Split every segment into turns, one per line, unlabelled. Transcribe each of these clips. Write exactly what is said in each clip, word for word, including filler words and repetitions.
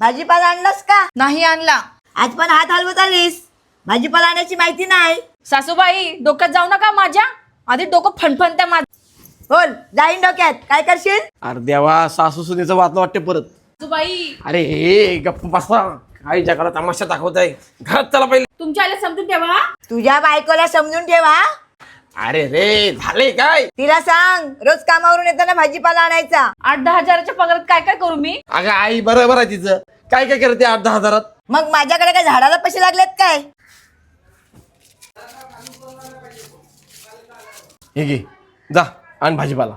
भाजीपाला आणलास का?
नाही आणला.
आज पण हात हलवत आलीस. भाजीपाला आणायची माहिती नाही.
सासूबाई डोक्यात जाऊ नका माझ्या. आधी डोकं फणफणत्या माझ.
बोल जाईन डोक्यात. काय करशील?
अरे देवा, सासू सुनेचं वाचलं वाटते परत.
सासूबाई
अरे हे गप्प बसा, काही जगाला तमाशा दाखवत आहे. घरात चला पहिले.
तुमच्या आईला समजून ठेवा.
तुझ्या बायकोला समजून ठेवा.
अरे रे झाले काय?
तिला सांग रोज कामावरून येताना भाजीपाला आणायचा.
आठ दहा हजाराच्या पगारात काय काय करू मी?
अगं आई बरोबर आहे तिचं. काय काय करते आठ दहा हजारात?
मग माझ्याकडे काय झाडाला पैसे लागलेत काय?
हे घे, जा आण भाजीपाला.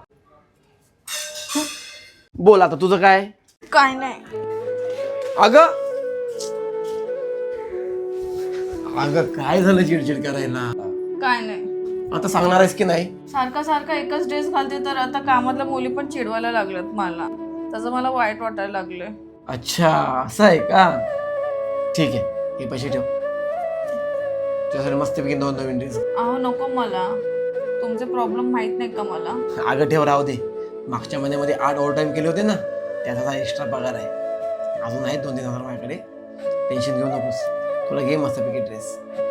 बोल आता तुझं काय?
काय नाही.
अगं अगं काय झालं चिडचिड करायला?
काय नाही.
आता सांगणार आहेस की नाही?
सारखा सारखा एकच ड्रेस घालते तर आता कामातल्या मुली पण चिडवायला लागल्यात मला. त्याचं मला वाईट वाटायला लागलंय.
अच्छा असं आहे का? ठीक आहे, हे पैसे ठेव. तुझ्यासाठी मस्तपैकी दोन नवीन ड्रेस.
अहो नको मला. तुमचे प्रॉब्लेम माहित नाही का मला?
अगं ठेव, राहू दे. मागच्या महिन्यामध्ये आठ ओव्हर टाईम केले होते ना, त्याचा एक्स्ट्रा पगार आहे. अजून आहेत दोन तीन हजार माझ्याकडे. टेन्शन घेऊ नकोस. तुला घे मस्तपैकी ड्रेस.